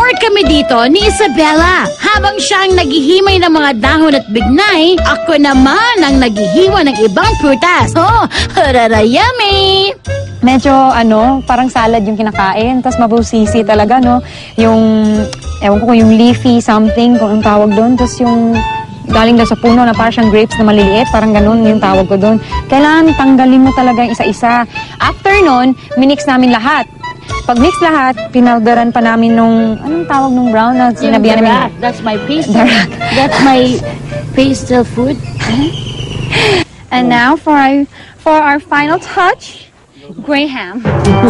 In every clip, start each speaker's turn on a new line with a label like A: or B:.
A: Nag-work kami dito ni Isabella. Habang siya ang naghihimay ng mga dahon at bignay, ako naman ang naghihiwa ng ibang prutas. Oh, harara yummy!
B: Medyo, parang salad yung kinakain. Tapos mabusisi talaga, no? Yung, ewan ko kung yung leafy something, kung ang tawag doon. Tapos yung galing daw sa puno na parang siyang grapes na maliliit, parang ganun yung tawag ko doon. Kailangan tanggalin mo talaga yung isa-isa. After nun, minix namin lahat. Pag mix lahat, pinalderan pa namin nung, anong tawag nung brown na sinabihan namin?
A: That's my pastel. That's my pastel food.
B: And now for our final touch, Graham.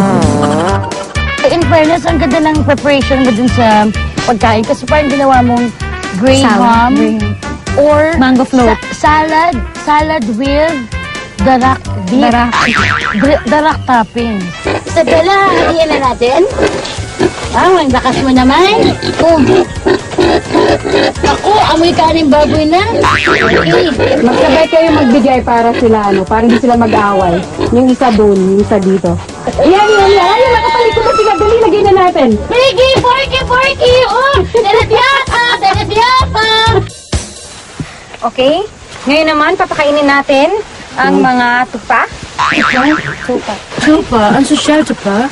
A: In fairness, ang ganda ng preparation mo dun sa pagkain. Kasi parang ginawa mong Graham or
B: mango float.
A: Salad with darak beef. Darak topping. Isabella, hatiin na natin. Ang lakas mo naman. Ako, amoy kanin baboy na. Okay.
C: Magsabay kayo magbigay para sila, para hindi sila mag-away. Yung isa doon, yung isa dito. Yan. Ayun, nakapalikot na sila. Dali, lagay na natin.
A: Piggy, porky. Oh, telepyapa.
B: Okay? Ngayon naman, papakainin natin ang mga tupa.
A: Tupa? Ang social tupa?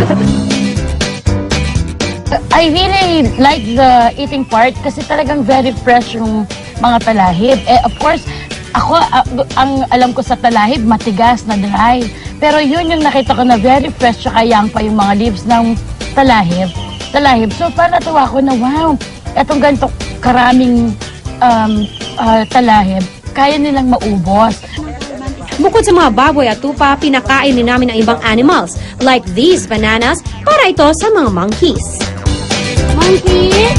A: I really like the eating part kasi talagang very fresh yung mga talahib. Of course, ako, ang alam ko sa talahib, matigas na dry. Pero yun yung nakita ko na very fresh tsaka young pa yung mga leaves ng talahib. So, parang natuwa ko na, wow, etong ganito karaming talahib, kaya nilang maubos.
D: Bukod sa mga baboy at tupa, pinakain din namin ang ibang animals, like these bananas, para ito sa mga monkeys.
A: Monkey?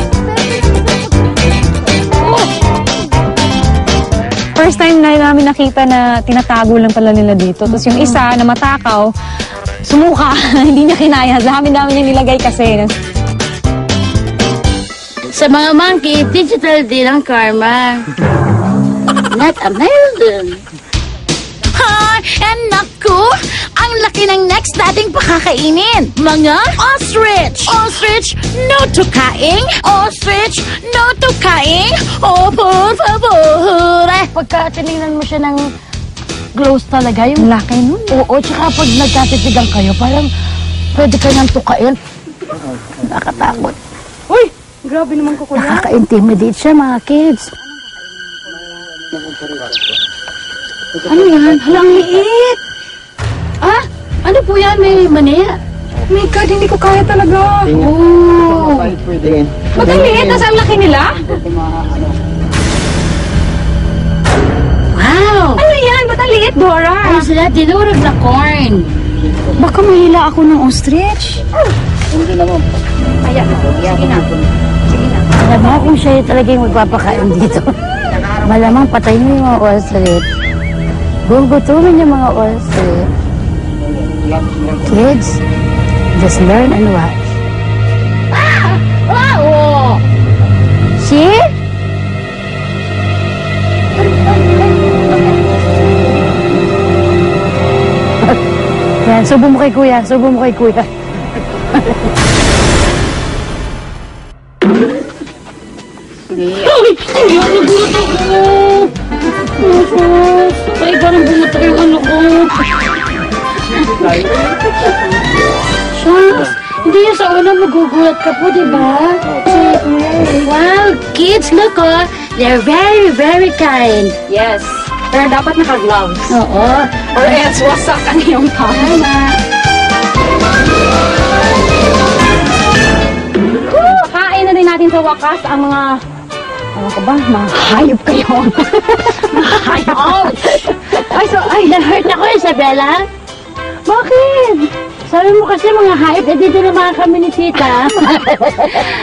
B: First time na namin nakita na tinatago lang pala nila dito. Tapos yung isa na matakaw, sumuka, hindi niya kinaya. Dami niya nilagay kasi.
A: Sa mga monkey, digital din ang karma. Not a melon. And naku, ang laki ng next nating pakakainin. Mga ostrich. Ostrich, no to kaing. Ostrich, no to kaing. Oh, por favor. Pagka tinignan mo siya ng glows talaga, yung laki nun. Oo, tsaka pag nagkatitigan kayo, parang pwede ka nang tukain. Nakatakot.
C: Uy, grabe naman ko, kuya.
A: Nakaka-intimidate siya, mga kids.
C: Ano yan? Halang liit.
A: Ah, ano po yan? May mania.
C: Oh my God, hindi ko kaya talaga.
A: Oh.
B: Ba't ang liit? Nasa ang laki nila?
A: Wow.
B: Ano yan? Ba't ang liit, Dora?
A: Ano sila? Dinurog na corn.
B: Baka mahila ako ng ostrich.
C: Hindi naman.
B: Sige na.
A: Alam mo kung siya talaga yung magpapakain dito. Malamang patay mo yung mga ostrich. Gugutumin yung mga ostrich. Kids, just learn and watch. Ah! Wow! See? Yan, subo mo kay kuya. Subo mo kay kuya. Ay, nagulat ako. Ay, parang bumutok yung ano ko. Shucks, hindi yung sa una magugulat ka po, diba? Wow, kids, look oh. They're very, very kind.
B: Yes. Pero dapat naka-gloves.
A: Oo.
B: Or else wasak ang iyong palm. Kain na din natin sa wakas ang mga... Ano ka ba? Mga hayop kayo. Mga hayop.
A: Ay, na-hurt ako, Isabella.
B: Bakit?
A: Sabi mo kasi mga hype, dito naman kami ni Tita.